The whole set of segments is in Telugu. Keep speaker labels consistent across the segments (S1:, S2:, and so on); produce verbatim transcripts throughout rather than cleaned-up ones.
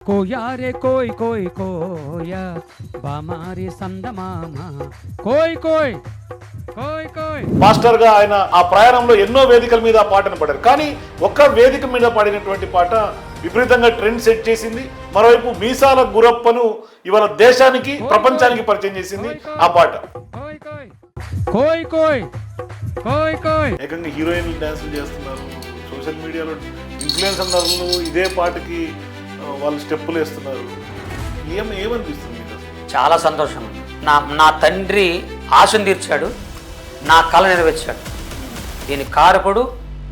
S1: కోయారే కోయ్ కోయ్ కోయ బామారి సందమామ కోయ్ కోయ్ కోయ్ కోయ్.
S2: మాస్టర్ గా ఆయన ఆ ప్రయాణంలో ఎన్నో వేదికల మీద ఆ పాటను పాడారు. కానీ ఒక్క వేదిక మీద పాడినటువంటి పాట విపరీతంగా ట్రెండ్ సెట్ చేసింది. మరోవైపు మీసాల గురప్పను ఇవాళ దేశానికి ప్రపంచానికి పరిచయం చేసింది ఆ పాట.
S1: కోయ్ కోయ్ కోయ్ కోయ్ కోయ్ కోయ్.
S2: ఏకంగా హీరోయిన్లు డాన్సులు చేస్తున్నారు, సోషల్ మీడియాలో ఇన్ఫ్లుయెన్సర్లు ఇదే పాటకి వాళ్ళు స్టెప్పులు వేస్తున్నారు. ఏం ఏమనిపిస్తుంది మీకు అసలు?
S3: చాలా సంతోషం. నా నా తండ్రి ఆశను తీర్చాడు, నా కళ నెరవేర్చాడు. దీని కారకుడు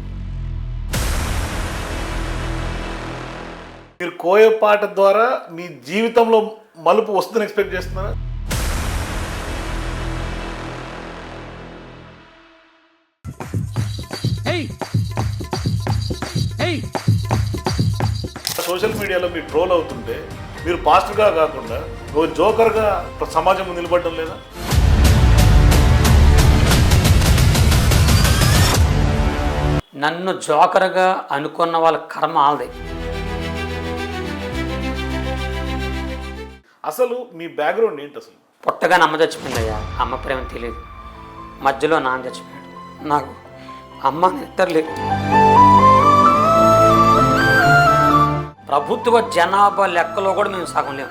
S2: మీరు కోయ పాట ద్వారా మీ జీవితంలో మలుపు వస్తుందని ఎక్స్పెక్ట్ చేస్తున్నారా? సోషల్ మీడియాలో మీరు ట్రోల్ అవుతుంటే మీరు పాస్టర్గా కాకుండా ఓ జోకర్గా సమాజం ముందు నిలబడడం లేదా?
S3: నన్ను జోకర్గా అనుకున్న వాళ్ళ కర్మ ఆల్దే.
S2: అసలు మీ బ్యాక్గ్రౌండ్ ఏంటి అసలు?
S3: పుట్టగానే అమ్మ చచ్చిపోయిందయ్యా. అమ్మ ప్రేమ తెలియదు. మధ్యలో నాన్న చచ్చిపోయాడు. నాకు అమ్మ నిద్రలేదు. ప్రభుత్వ జనాభా లెక్కలో కూడా మేము సగం లేము.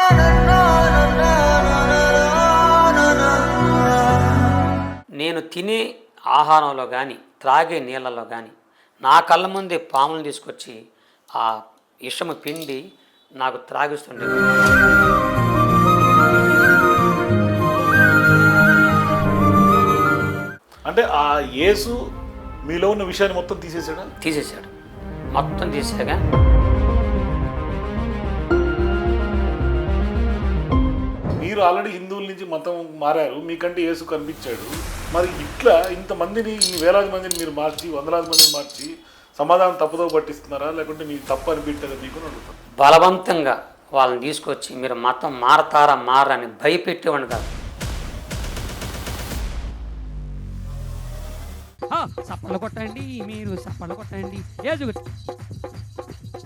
S3: నేను తినే ఆహారంలో కానీ త్రాగే నీళ్ళలో కానీ నా కళ్ళ ముందే పాములను తీసుకొచ్చి ఆ విషము పిండి నాకు త్రాగిస్తుండే.
S2: అంటే ఆ యేసు మీలో ఉన్న విషయాన్ని మొత్తం తీసేసాడా?
S3: తీసేశాడు. మొత్తం తీసాగా
S2: మీరు ఆల్రెడీ హిందువుల నుంచి మతం మారారు, మీకంటే యేసు కనిపించాడు. మరి ఇట్లా ఇంతమందిని ఇన్ని వేలాది మందిని మీరు మార్చి వందలాది మందిని మార్చి సమాధానం తప్పుదో పట్టిస్తున్నారా, లేకుంటే మీకు తప్పు అనిపించదా మీకు అడుగుతారు?
S3: బలవంతంగా వాళ్ళని తీసుకొచ్చి మీరు మతం మారతారా మారని భయపెట్టేవాడిని కాదు.
S1: సప్పలు కొట్టండి, మీరు సప్పలు కొట్టండి. ఏజు